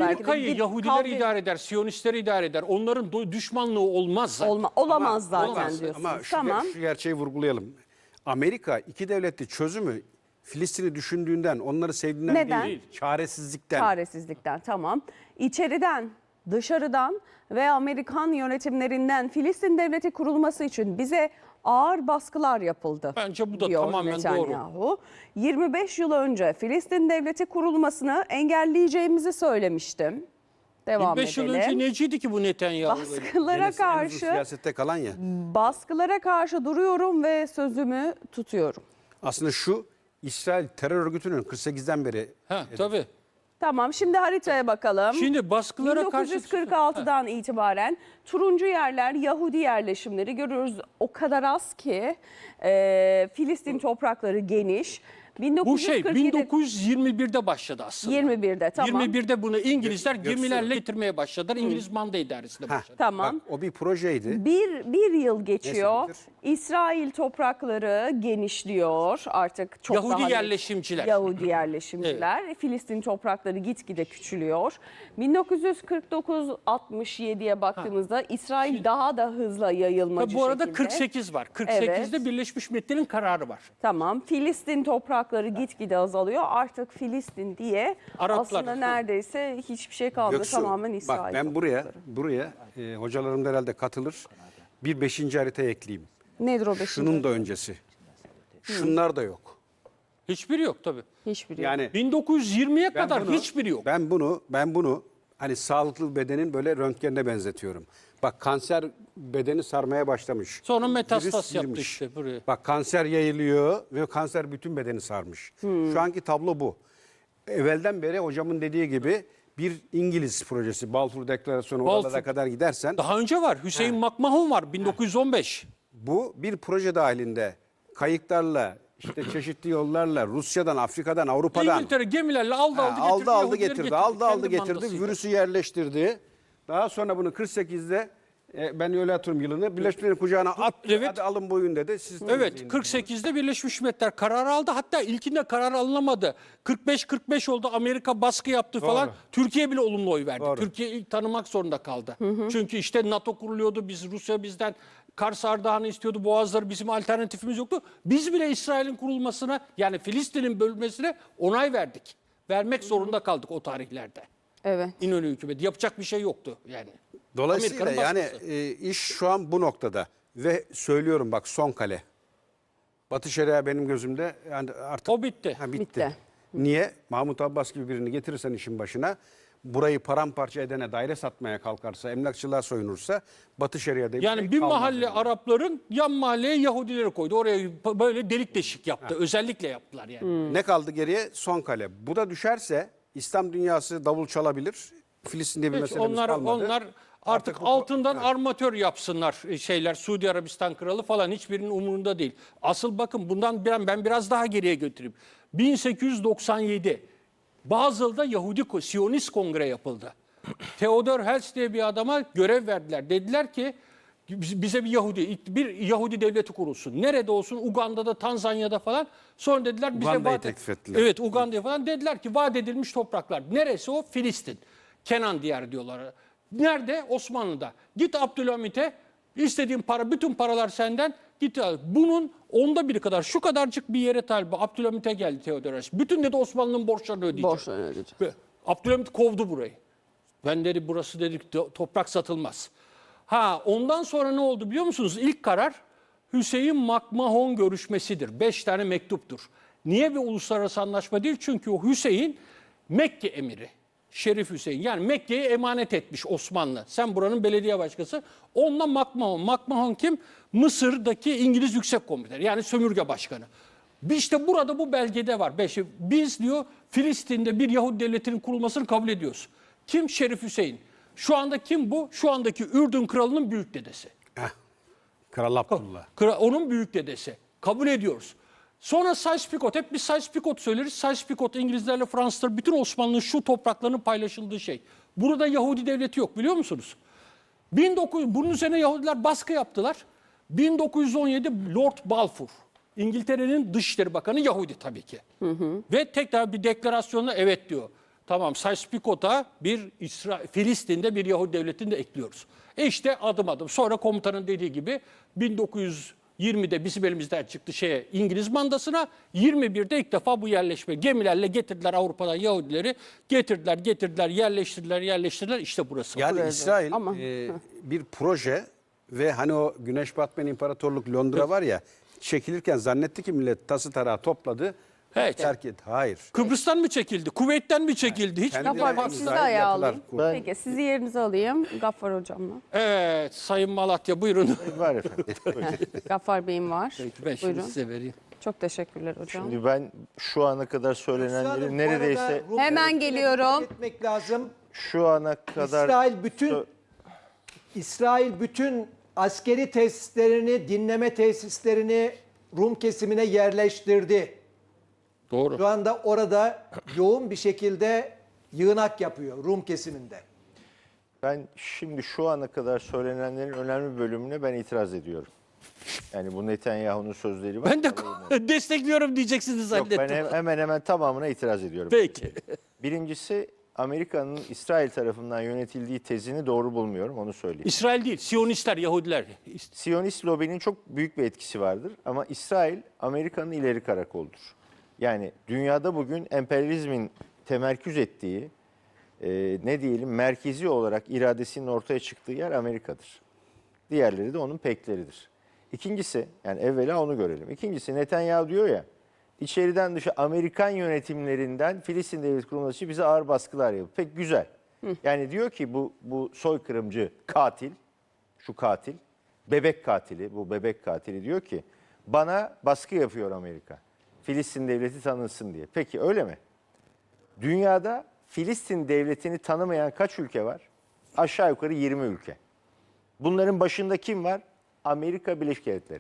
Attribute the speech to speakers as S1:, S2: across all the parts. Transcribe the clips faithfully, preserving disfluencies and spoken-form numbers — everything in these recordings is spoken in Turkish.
S1: Amerika'yı Yahudiler idare eder, Siyonistler idare eder. Onların düşmanlığı olmaz zaten.
S2: Olma, olamaz
S3: Ama-
S2: zaten
S3: olamaz.
S2: diyorsunuz.
S3: Ama şu,
S2: Tamam.
S3: şu gerçeği vurgulayalım. Amerika iki devletli çözümü Filistin'i düşündüğünden, onları sevdiğinden
S2: Neden?
S3: değil, çaresizlikten.
S2: Çaresizlikten, tamam. İçeriden, dışarıdan ve Amerikan yönetimlerinden Filistin devleti kurulması için bize ağır baskılar yapıldı.
S1: Bence bu da
S2: diyor
S1: tamamen
S2: Netanyahu.
S1: doğru.
S2: yirmi beş yıl önce Filistin devleti kurulmasını engelleyeceğimizi söylemiştim. Devam
S1: yirmi beş yıl
S2: edelim.
S1: önce neciydi ki bu Netanyahu?
S2: Baskılara
S3: Yenisi en uzun
S2: karşı
S3: siyasette kalan ya.
S2: baskılara karşı duruyorum ve sözümü tutuyorum.
S3: Aslında şu, İsrail terör örgütünün kırk sekizden beri
S1: Ha, tabii.
S2: Tamam, şimdi haritaya bakalım.
S1: Şimdi baskılara karşı...
S2: bin dokuz yüz kırk altıdan itibaren turuncu yerler Yahudi yerleşimleri görüyoruz. O kadar az ki e, Filistin toprakları geniş.
S1: Bu şey
S2: bin dokuz yüz kırk yedi
S1: bin dokuz yüz yirmi birde başladı aslında.
S2: yirmi birde tamam.
S1: yirmi birde bunu İngilizler
S3: Göksu.
S1: gemilerle getirmeye başladılar. İngiliz manda idaresinde
S3: Heh,
S1: başladı.
S2: Tamam.
S3: Bak, o bir projeydi.
S2: Bir, bir yıl geçiyor.
S3: Neyse,
S2: İsrail toprakları genişliyor. Artık çok
S1: Yahudi
S2: daha net-
S1: yerleşimciler.
S2: Yahudi yerleşimciler. Filistin toprakları gitgide küçülüyor. bin dokuz yüz kırk dokuz altmış yediye baktığımızda İsrail daha da hızla yayılmacı
S1: Tabii bu arada
S2: şekilde.
S1: kırk sekiz var. kırk sekizde
S2: Evet.
S1: Birleşmiş Milletler'in kararı var.
S2: Tamam. Filistin toprakları gitgide azalıyor. Artık Filistin diye
S1: Araplar.
S2: aslında neredeyse hiçbir şey kalmadı.
S3: Göksu,
S2: Tamamen İsrail
S3: bak ben buraya,
S2: toprakları.
S3: buraya e, hocalarım da herhalde katılır. Bir beşinci harita ekleyeyim.
S2: Nedir o beşinci?
S3: Şunun da öncesi. Şunlar da yok.
S1: Hiçbiri yok tabii.
S2: Hiçbiri yok.
S3: Yani
S1: bin dokuz yüz yirmiye
S3: ben
S1: kadar
S3: bunu-
S1: hiçbiri yok.
S3: Ben bunu, ben bunu hani sağlıklı bedenin böyle röntgenine benzetiyorum. Bak kanser bedeni sarmaya başlamış.
S1: Sonra metastas
S3: Virüs
S1: yaptı
S3: girmiş.
S1: işte buraya.
S3: Bak kanser yayılıyor ve kanser bütün bedeni sarmış. Şu anki tablo bu. Evvelden beri hocamın dediği gibi bir İngiliz projesi. Balfour Deklarasyonu
S1: Balfour.
S3: oralara kadar gidersen
S1: Daha önce var. Hüseyin McMahon var bin dokuz yüz on beş.
S3: bu bir proje dahilinde kayıklarla işte çeşitli yollarla Rusya'dan, Afrika'dan, Avrupa'dan
S1: İngiltere gemilerle aldı aldı
S3: Ha,
S1: getirdi.
S3: aldı aldı
S1: Yahudileri
S3: getirdi,
S1: getirdi.
S3: aldı aldı
S1: Kendi
S3: getirdi,
S1: mandasıyla.
S3: virüsü yerleştirdi. Daha sonra bunu kırk sekizde e, ben öyle hatırlıyorum yılını, Birleşmiş Milletler'in kucağına attı,
S1: Evet.
S3: hadi alın boyun dedi. Siz
S1: Evet,
S3: temizleyin
S1: kırk sekizde Birleşmiş Milletler kararı aldı. Hatta ilkinde karar alınamadı. kırk beş kırk beş oldu. Amerika baskı yaptı falan. Türkiye bile olumlu oy verdi.
S3: Doğru.
S1: Türkiye ilk tanımak zorunda kaldı. Çünkü işte NATO kuruluyordu. Biz Rusya bizden Kars Ardahan'ı istiyordu. Boğazları bizim alternatifimiz yoktu. Biz bile İsrail'in kurulmasına yani Filistin'in bölünmesine onay verdik. Vermek zorunda kaldık o tarihlerde.
S2: Evet.
S1: İnönü hükümeti. Yapacak bir şey yoktu yani.
S3: Dolayısıyla
S1: Amerika'nın
S3: yani
S1: baskısı.
S3: e, iş şu an bu noktada ve söylüyorum bak son kale. Batı Şeria benim gözümde yani artık
S1: O bitti.
S3: Ha, bitti.
S2: Bitti.
S3: Niye? Mahmut Abbas gibi birini getirirsen işin başına, burayı paramparça edene, daire satmaya kalkarsa, emlakçılığa soyunursa Batı Şeria diye bir
S1: Yani
S3: şey
S1: bir
S3: kalmaz
S1: mahalle
S3: yani.
S1: Arapların yan mahalleye Yahudileri koydu. Oraya böyle delik deşik yaptı. Özellikle yaptılar yani.
S3: Ne kaldı geriye? Son kale. Bu da düşerse İslam dünyası davul çalabilir. Filistin'de bir
S1: Hiç
S3: meselemiz
S1: onlar
S3: kalmadı.
S1: onlar artık,
S3: bu-
S1: altından
S3: Ha.
S1: armatör yapsınlar şeyler. Suudi Arabistan kralı falan hiçbirinin umurunda değil. Asıl bakın bundan ben, ben biraz daha geriye götüreyim. bin sekiz yüz doksan yedi Bazel'da Yahudi Siyonist Kongre yapıldı. Theodor Herzl diye bir adama görev verdiler. Dediler ki bize bir Yahudi bir Yahudi devleti kurulsun. Nerede olsun? Uganda'da, Tanzanya'da falan. Sonra dediler bize
S3: Uganda'yı
S1: vaat
S3: teklif ettiler.
S1: Evet, Uganda'ya falan dediler ki vaat edilmiş topraklar. Neresi o? Filistin. Kenan diyarı diyorlar. Nerede? Osmanlı'da. Git Abdülhamit'e istediğin para, bütün paralar senden. Git al. Bunun onda biri kadar, şu kadarcık bir yere talip. Abdülhamit'e geldi Theodor Herzl. Bütün dedi Osmanlı'nın borçlarını ödeyecek.
S2: Borçlarını ödeyecek.
S1: Ve Abdülhamit kovdu burayı. Ben dedi burası dedik toprak satılmaz. Ha ondan sonra ne oldu biliyor musunuz? İlk karar Hüseyin McMahon görüşmesidir. Beş tane mektuptur. Niye bir uluslararası anlaşma değil? Çünkü o Hüseyin Mekke emiri. Şerif Hüseyin. Yani Mekke'ye emanet etmiş Osmanlı. Sen buranın belediye başkası. Onunla McMahon. McMahon kim? Mısır'daki İngiliz Yüksek Komiteri. Yani sömürge başkanı. İşte burada bu belgede var. Beşi. Biz diyor Filistin'de bir Yahudi devletinin kurulmasını kabul ediyoruz. Kim? Şerif Hüseyin. Şu anda kim bu? Şu andaki Ürdün kralının büyük dedesi.
S3: Heh. Kral Abdullah.
S1: Kra- Onun büyük dedesi. Kabul ediyoruz. Sonra Sykes-Picot. Hep biz Sykes-Picot söyleriz. Sykes-Picot İngilizlerle Fransızlar bütün Osmanlı'nın şu topraklarının paylaşıldığı şey. Burada Yahudi devleti yok biliyor musunuz? bin dokuz yüz, bunun üzerine Yahudiler baskı yaptılar. bin dokuz yüz on yedi Lord Balfour. İngiltere'nin Dışişleri Bakanı Yahudi tabii ki. Hı hı. Ve tekrar bir deklarasyonla evet diyor. Tamam, Sykes-Picot'a bir İsra Filistin'de bir Yahudi devletini de ekliyoruz. E işte adım adım. Sonra komutanın dediği gibi bin dokuz yüz yirmide bizim elimizden çıktı şeye İngiliz mandasına. yirmi birde ilk defa bu yerleşme gemilerle getirdiler Avrupa'dan Yahudileri. Getirdiler, getirdiler, yerleştirdiler, yerleştirdiler. İşte burası.
S3: Yani İsrail
S2: Ama-
S3: e, bir proje ve hani o Güneş batmayan İmparatorluk Londra var ya, çekilirken zannetti ki millet tası tarağı topladı.
S1: Evet.
S3: Terk et. Hayır.
S1: Kıbrıs'tan mı çekildi? Kuveyt'ten mi çekildi? Hiç
S3: Kendi-
S2: Gaffar Bey
S3: Yani
S2: sizi de
S3: İsrail
S2: ayağa
S3: yapılar
S2: alayım.
S3: kurdu.
S2: Peki sizi yerinize alayım. Gaffar Hocam'la.
S1: Evet, Sayın Malatya buyurun.
S4: Var efendim.
S2: Gaffar Bey'im var.
S1: Peki, ben şimdi
S2: Buyurun.
S1: size vereyim.
S2: Çok teşekkürler hocam.
S4: Şimdi ben şu ana kadar
S5: Üstadım,
S4: söylenenleri
S5: bu
S4: neredeyse
S5: arada Rum
S2: Hemen
S5: devletine
S2: geliyorum.
S5: dikkat etmek lazım.
S4: şu ana kadar
S5: İsrail bütün
S4: sö-
S5: İsrail bütün askeri tesislerini, dinleme tesislerini Rum kesimine yerleştirdi.
S1: Doğru.
S5: Şu anda orada yoğun bir şekilde yığınak yapıyor Rum kesiminde.
S4: ben şimdi şu ana kadar söylenenlerin önemli bir bölümüne ben itiraz ediyorum. Yani bu Netanyahu'nun sözleri var.
S1: Ben de
S4: Alayım
S1: destekliyorum diyeceksiniz
S4: onu. Yok,
S1: zannettim.
S4: ben hem- hemen hemen tamamına itiraz ediyorum.
S1: Peki.
S4: Birincisi Amerika'nın İsrail tarafından yönetildiği tezini doğru bulmuyorum, onu söyleyeyim.
S1: İsrail değil, Siyonistler, Yahudiler.
S4: Siyonist lobinin çok büyük bir etkisi vardır ama İsrail Amerika'nın ileri karakoludur. Yani dünyada bugün emperyalizmin temerküz ettiği, e, ne diyelim merkezi olarak iradesinin ortaya çıktığı yer Amerika'dır. Diğerleri de onun pekleridir. İkincisi, yani evvela onu görelim. İkincisi Netanyahu diyor ya, içeriden dışa Amerikan yönetimlerinden Filistin devleti kurulması için bize ağır baskılar yapıyor. Pek güzel. Yani diyor ki bu bu soykırımcı katil, şu katil, bebek katili, bu bebek katili diyor ki bana baskı yapıyor Amerika. Filistin devleti tanınsın diye. Peki öyle mi? Dünyada Filistin devletini tanımayan kaç ülke var? Aşağı yukarı yirmi ülke. Bunların başında kim var? Amerika Birleşik Devletleri.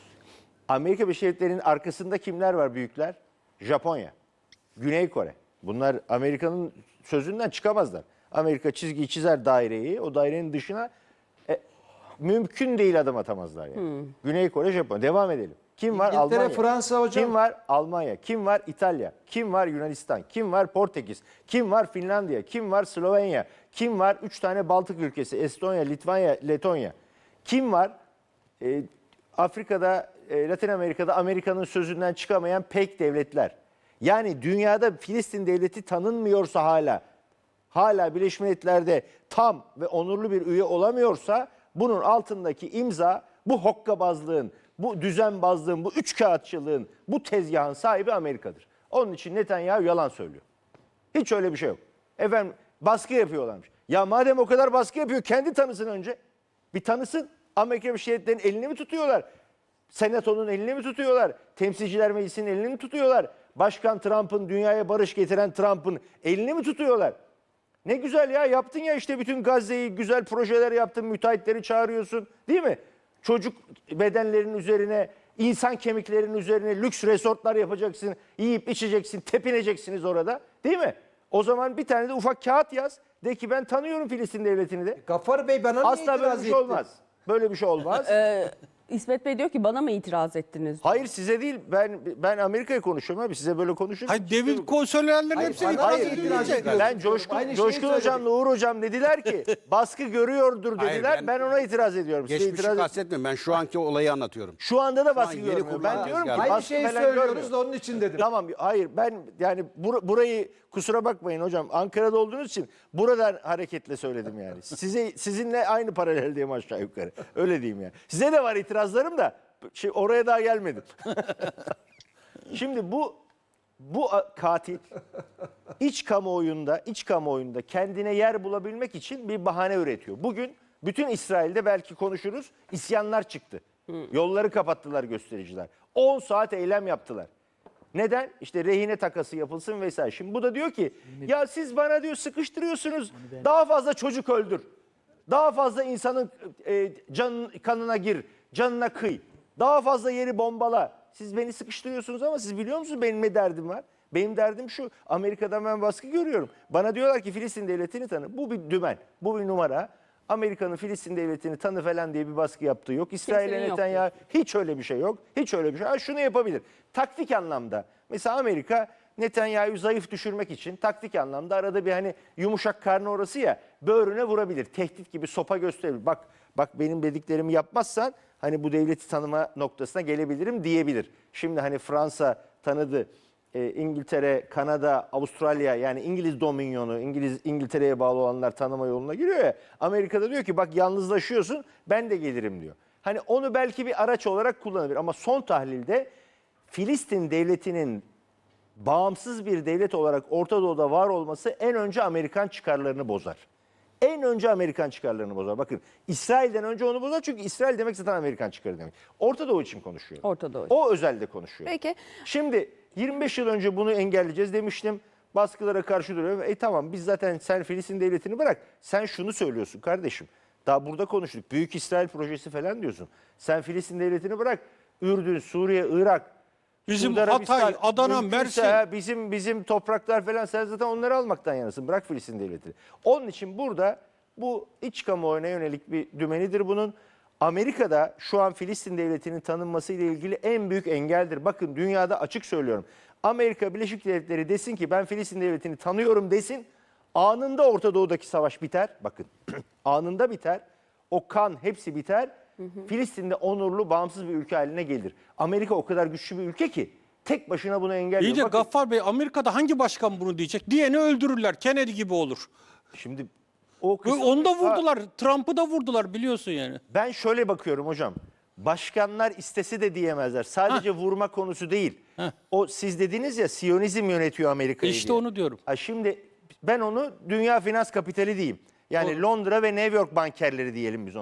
S4: Amerika Birleşik Devletleri'nin arkasında kimler var büyükler? Japonya, Güney Kore. Bunlar Amerika'nın sözünden çıkamazlar. Amerika çizgiyi çizer daireyi, o dairenin dışına e, mümkün değil adım atamazlar yani. Güney Kore, Japonya. Devam edelim. Kim var?
S5: İngiltere,
S4: Almanya.
S5: Fransa hocam.
S4: Kim var? Almanya. Kim var? İtalya. Kim var? Yunanistan. Kim var? Portekiz. Kim var? Finlandiya. Kim var? Slovenya. Kim var? Üç tane Baltık ülkesi. Estonya, Litvanya, Letonya. Kim var? Ee, Afrika'da, e, Latin Amerika'da Amerika'nın sözünden çıkamayan pek devletler. Yani dünyada Filistin devleti tanınmıyorsa hala, hala Birleşmiş Milletler'de tam ve onurlu bir üye olamıyorsa bunun altındaki imza bu hokkabazlığın, bu düzenbazlığın, bu üç kağıtçılığın, bu tezgahın sahibi Amerika'dır. Onun için Netanyahu yalan söylüyor. Hiç öyle bir şey yok. Efendim baskı yapıyorlarmış. Ya madem o kadar baskı yapıyor kendi tanısın önce. Bir tanısın. Amerika Birleşik Devletleri'nin elini mi tutuyorlar? Senatonun elini mi tutuyorlar? Temsilciler Meclisi'nin elini mi tutuyorlar? Başkan Trump'ın, dünyaya barış getiren Trump'ın elini mi tutuyorlar? Ne güzel ya, yaptın ya işte bütün Gazze'yi, güzel projeler yaptın, müteahhitleri çağırıyorsun değil mi? Çocuk bedenlerinin üzerine, insan kemiklerinin üzerine lüks resortlar yapacaksın, yiyip içeceksin, tepineceksiniz orada değil mi? O zaman bir tane de ufak kağıt yaz. De ki ben tanıyorum Filistin devletini de.
S5: Gaffar Bey bana niye
S4: Asla böyle
S5: itiraz
S4: bir şey
S5: etti?
S4: olmaz. Böyle bir şey olmaz.
S2: İsmet Bey diyor ki bana mı itiraz ettiniz?
S4: Hayır size değil. Ben ben Amerika'ya konuşuyorum abi. Size böyle konuşuyorum.
S3: Hayır David Cole söyleyenlerin
S5: Hayır,
S3: hepsini
S5: bana
S3: itiraz
S5: niye
S3: ediyor.
S5: itiraz ediyorsun?
S4: Ben Coşkun,
S5: Aynı şeyi
S4: Coşkun
S5: söyledik.
S4: Hocam'la Uğur Hocam dediler ki baskı görüyordur
S3: Hayır,
S4: dediler.
S3: ben-
S4: ben, ona itiraz ediyorum. Size
S3: Geçmişi
S4: itiraz et-
S3: kastetmiyorum. Ben şu anki olayı anlatıyorum.
S4: Şu anda da
S3: an
S4: baskı
S3: yeni
S4: görmüyor. Ben
S3: kurulan
S4: diyorum ki
S3: tezgah.
S5: Aynı
S4: baskı
S5: şeyi
S4: falan
S5: söylüyoruz
S4: görmüyor.
S5: da onun için dedim.
S4: Tamam hayır ben yani bur- burayı kusura bakmayın hocam Ankara'da olduğunuz için buradan hareketle söyledim yani. Size sizinle aynı paraleldeyim aşağı yukarı. Öyle diyeyim yani. Size de var itirazlarım da şey, oraya daha gelmedim. Şimdi bu bu a- katil iç kamuoyunda iç kamuoyunda kendine yer bulabilmek için bir bahane üretiyor. Bugün bütün İsrail'de belki konuşuruz isyanlar çıktı. Yolları kapattılar göstericiler. on saat eylem yaptılar. Neden? İşte rehine takası yapılsın vesaire. Şimdi bu da diyor ki ya siz bana diyor sıkıştırıyorsunuz. Daha fazla çocuk öldür. Daha fazla insanın e, canın, kanına gir. Canına kıy. Daha fazla yeri bombala. Siz beni sıkıştırıyorsunuz ama siz biliyor musunuz benim ne derdim var? Benim derdim şu. Amerika'dan ben baskı görüyorum. Bana diyorlar ki Filistin devletini tanı. Bu bir dümen. Bu bir numara. Amerika'nın Filistin devletini tanı falan diye bir baskı yaptığı yok. İsrail'e
S2: Kimsenin yok
S4: Netanyahu hiç öyle bir şey yok. Hiç öyle bir şey. Ha, şunu yapabilir. Taktik anlamda. Mesela Amerika Netanyahu'yu zayıf düşürmek için taktik anlamda arada bir hani yumuşak karnı orası ya böğrüne vurabilir. Tehdit gibi sopa gösterebilir. Bak bak benim dediklerimi yapmazsan hani bu devleti tanıma noktasına gelebilirim diyebilir. Şimdi hani Fransa tanıdı. e, İngiltere, Kanada, Avustralya yani İngiliz dominyonu, İngiliz İngiltere'ye bağlı olanlar tanıma yoluna giriyor ya. Amerika'da diyor ki bak yalnızlaşıyorsun ben de gelirim diyor. Hani onu belki bir araç olarak kullanabilir ama son tahlilde Filistin devletinin bağımsız bir devlet olarak Orta Doğu'da var olması en önce Amerikan çıkarlarını bozar. En önce Amerikan çıkarlarını bozar. Bakın İsrail'den önce onu bozar çünkü İsrail demek zaten Amerikan çıkarı demek. Orta Doğu için konuşuyorum.
S2: Orta Doğu için.
S4: O özelde konuşuyor.
S2: Peki.
S4: Şimdi yirmi beş yıl önce bunu engelleyeceğiz demiştim. Baskılara karşı duruyor. E tamam biz zaten sen Filistin devletini bırak. Sen şunu söylüyorsun kardeşim. Daha burada konuştuk. Büyük İsrail projesi falan diyorsun. Sen Filistin devletini bırak. Ürdün, Suriye, Irak,
S1: Bizim
S4: Suudi Arabistan,
S1: Hatay, Adana,
S4: mümkünse
S1: Mersin.
S4: ha, bizim bizim topraklar falan sen zaten onları almaktan yanasın. Bırak Filistin devletini. Onun için burada bu iç kamuoyuna yönelik bir dümenidir bunun. Amerika'da şu an Filistin devletinin tanınması ile ilgili en büyük engeldir. Bakın dünyada açık söylüyorum. Amerika Birleşik Devletleri desin ki ben Filistin devletini tanıyorum desin. Anında Orta Doğu'daki savaş biter. Bakın anında biter. O kan hepsi biter. Filistin'de onurlu, bağımsız bir ülke haline gelir. Amerika o kadar güçlü bir ülke ki tek başına bunu engelliyor.
S1: İyi de
S4: Bakın,
S1: Gaffar Bey, Amerika'da hangi başkan bunu diyecek? Diyeni öldürürler. Kennedy gibi olur.
S4: şimdi o
S1: Ve
S4: kısım-
S1: Onu da
S4: Ha,
S1: vurdular. Trump'ı da vurdular biliyorsun yani.
S4: ben şöyle bakıyorum hocam. Başkanlar istese de diyemezler. Sadece vurma konusu değil.
S1: Heh.
S4: O siz dediniz ya Siyonizm yönetiyor Amerika'yı
S1: İşte
S4: diye.
S1: onu diyorum.
S4: Ha, şimdi ben onu dünya finans kapitali diyeyim. Yani
S1: Doğru.
S4: Londra ve New York bankerleri diyelim biz ona.